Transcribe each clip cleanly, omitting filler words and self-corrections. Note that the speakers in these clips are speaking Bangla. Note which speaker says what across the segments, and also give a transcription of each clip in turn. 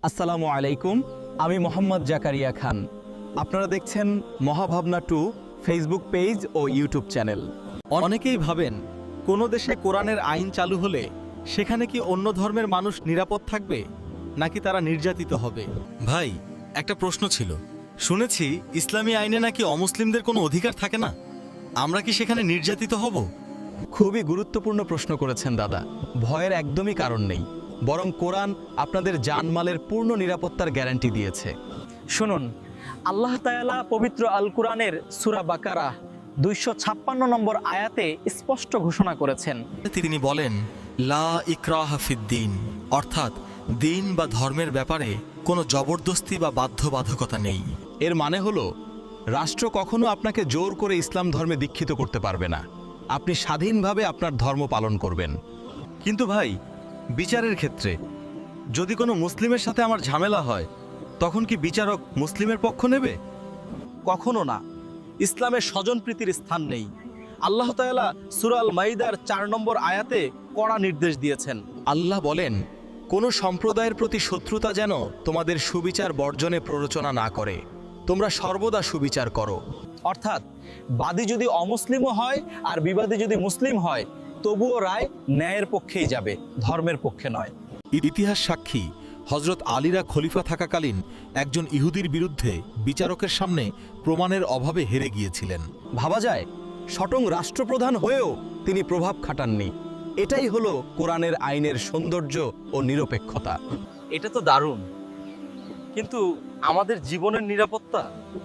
Speaker 1: আসসালামু আলাইকুম, আমি মোহাম্মদ জাকারিয়া খান। আপনারা দেখছেন মহাভাবনা 2 ফেসবুক পেজ ও ইউটিউব চ্যানেল।
Speaker 2: অনেকেই ভাবেন কোনো দেশে কোরআনের আইন চালু হলে সেখানে কি অন্য ধর্মের মানুষ নিরাপদ থাকবে নাকি তারা নির্যাতিত হবে? ভাই, একটা প্রশ্ন ছিল। শুনেছি ইসলামী আইনে নাকি অমুসলিমদের কোনো অধিকার থাকে না। আমরা কি সেখানে নির্যাতিত হব?
Speaker 1: খুবই গুরুত্বপূর্ণ প্রশ্ন করেছেন দাদা। ভয়ের একদমই কারণ নেই, বরং কোরআন আপনাদের জানমালের পূর্ণ নিরাপত্তার গ্যারান্টি দিয়েছে।
Speaker 3: শুনুন, আল্লাহ তাআলা পবিত্র আল কুরআনের সূরা বাকারা 256 নম্বর আয়াতে স্পষ্ট ঘোষণা করেছেন,
Speaker 2: তিনি বলেন, লা ইকরাহা ফিদ্দিন, অর্থাৎ দিন বা ধর্মের ব্যাপারে কোনো জবরদস্তি বা বাধ্যবাধকতা নেই।
Speaker 1: এর মানে হলো, রাষ্ট্র কখনো আপনাকে জোর করে ইসলাম ধর্মে দীক্ষিত করতে পারবে না। আপনি স্বাধীনভাবে আপনার ধর্ম পালন করবেন।
Speaker 2: কিন্তু ভাই, বিচারের ক্ষেত্রে যদি কোনো মুসলিমের সাথে আমার ঝামেলা হয়, তখন কি বিচারক মুসলিমের পক্ষ নেবে? কখনো না। ইসলামের স্বজনপ্রীতির স্থান নেই। আল্লাহ তাআলা সূরা আল মাইদার 4 নম্বর আয়াতে কড়া নির্দেশ দিয়েছেন।
Speaker 1: আল্লাহ বলেন, কোনো সম্প্রদায়ের প্রতি শত্রুতা যেন তোমাদের সুবিচার বর্জনে প্ররোচনা না করে। তোমরা সর্বদা সুবিচার করো।
Speaker 3: অর্থাৎ বাদী যদি অমুসলিমও হয় আর বিবাদী যদি মুসলিম হয়, তবুও রায় ন্যায়ের পক্ষেই যাবে, ধর্মের পক্ষে নয়।
Speaker 2: ইতিহাস সাক্ষী, হযরত আলীরা খলিফা থাকাকালীন একজন ইহুদির বিরুদ্ধে বিচারকের সামনে প্রমাণের অভাবে হেরে গিয়েছিলেন।
Speaker 1: ভাবা যায়, স্বয়ং রাষ্ট্রপ্রধান হয়েও তিনি প্রভাব খাটাননি। এটাই হলো কোরআনের আইনের সৌন্দর্য ও নিরপেক্ষতা।
Speaker 3: এটা তো দারুণ, কিন্তু আমাদের জীবনের নিরাপত্তা?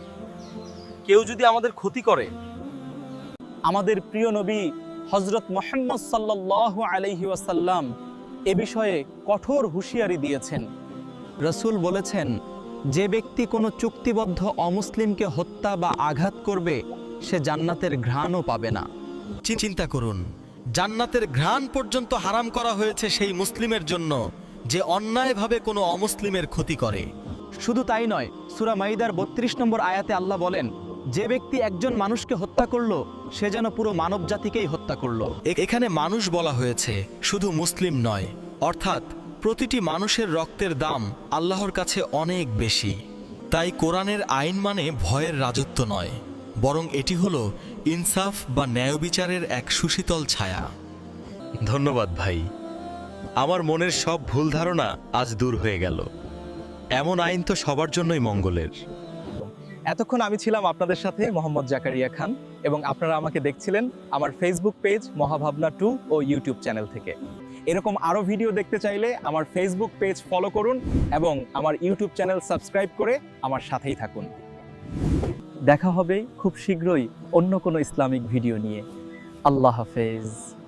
Speaker 3: কেউ যদি আমাদের ক্ষতি করে? আমাদের প্রিয় নবী হযরত মুহাম্মদ সাল্লাল্লাহু আলাইহি ওয়াসাল্লাম এ বিষয়ে কঠোর হুঁশিয়ারি দিয়েছেন।
Speaker 1: রাসূল বলেছেন, যে ব্যক্তি কোনো চুক্তিবদ্ধ অমুসলিমকে হত্যা বা আঘাত করবে, সে জান্নাতের ঘ্রাণও পাবে না।
Speaker 2: চিন্তা করুন, জান্নাতের ঘ্রাণ পর্যন্ত হারাম করা হয়েছে সেই মুসলিমের জন্য যে অন্যায়ভাবে কোনো অমুসলিমের ক্ষতি করে।
Speaker 1: শুধু তাই নয়, সূরা মাইদার 32 নম্বর আয়াতে আল্লাহ বলেন, যে ব্যক্তি একজন মানুষকে হত্যা করলো, সে যেন পুরো মানব জাতিকেই হত্যা করলো।
Speaker 2: এখানে মানুষ বলা হয়েছে, শুধু মুসলিম নয়। অর্থাৎ প্রতিটি মানুষের রক্তের দাম আল্লাহর কাছে অনেক বেশি। তাই কোরআনের আইন মানে ভয়ের রাজত্ব নয়, বরং এটি হলো ইনসাফ বা ন্যায় বিচারের এক সুশীতল ছায়া।
Speaker 1: ধন্যবাদ ভাই, আমার মনের সব ভুল ধারণা আজ দূর হয়ে গেল। এমন আইন তো সবার জন্যই মঙ্গলের।
Speaker 3: এতক্ষণ আমি ছিলাম আপনাদের সাথে মোহাম্মদ জাকারিয়া খান, এবং আপনারা আমাকে দেখছিলেন আমার ফেসবুক পেজ মহাভাবনা 2 ও ইউটিউব চ্যানেল থেকে। এরকম আরও ভিডিও দেখতে চাইলে আমার ফেসবুক পেজ ফলো করুন এবং আমার ইউটিউব চ্যানেল সাবস্ক্রাইব করে আমার সাথেই থাকুন। দেখা হবে খুব শীঘ্রই অন্য কোনো ইসলামিক ভিডিও নিয়ে। আল্লাহ হাফেজ।